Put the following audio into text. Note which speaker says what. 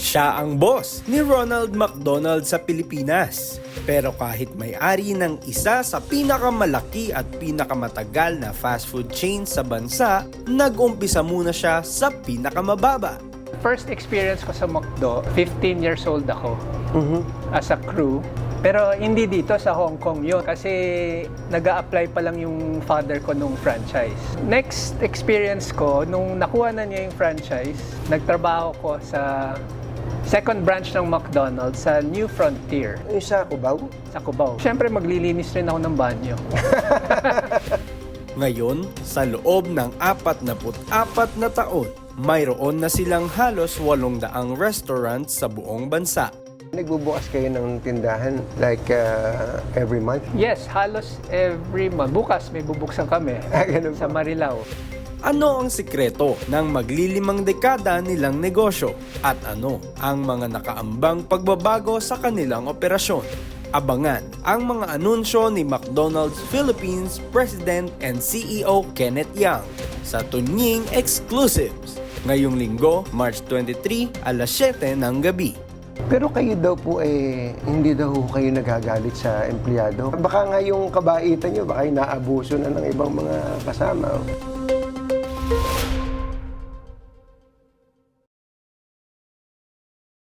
Speaker 1: Siya ang boss ni Ronald McDonald sa Pilipinas. Pero kahit may-ari ng isa sa pinakamalaki at pinakamatagal na fast food chain sa bansa, nag-umpisa muna siya sa pinakamababa.
Speaker 2: First experience ko sa McDo, 15 years old ako as a crew. Pero hindi dito sa Hong Kong yun kasi nag-a-apply pa lang yung father ko nung franchise. Next experience ko, nung nakuha na niya yung franchise, nagtrabaho ko sa second branch ng McDonald's sa New Frontier
Speaker 3: Yung sa Cubao?
Speaker 2: sa Cubao. Siyempre maglilinis rin ako ng banyo.
Speaker 1: Ngayon, sa loob ng 44 na taon, mayroon na silang halos 800 restaurants sa buong bansa.
Speaker 3: Nagbubukas kayo ng tindahan like every month?
Speaker 2: Yes, halos every month. Bukas may bubuksan kami
Speaker 3: Ganun
Speaker 2: sa
Speaker 3: ba?
Speaker 2: Marilao.
Speaker 1: Ano ang sikreto ng maglilimang dekada nilang negosyo? At ano ang mga nakaambang pagbabago sa kanilang operasyon? Abangan ang mga anunsyo ni McDonald's Philippines President and CEO Kenneth Yang sa Tunying Exclusives ngayong linggo, March 23, alas 7 ng gabi.
Speaker 3: Pero kayo daw po hindi daw kayo nagagalit sa empleyado. Baka nga yung kabaitan nyo, baka naabuso na ng ibang mga kasama.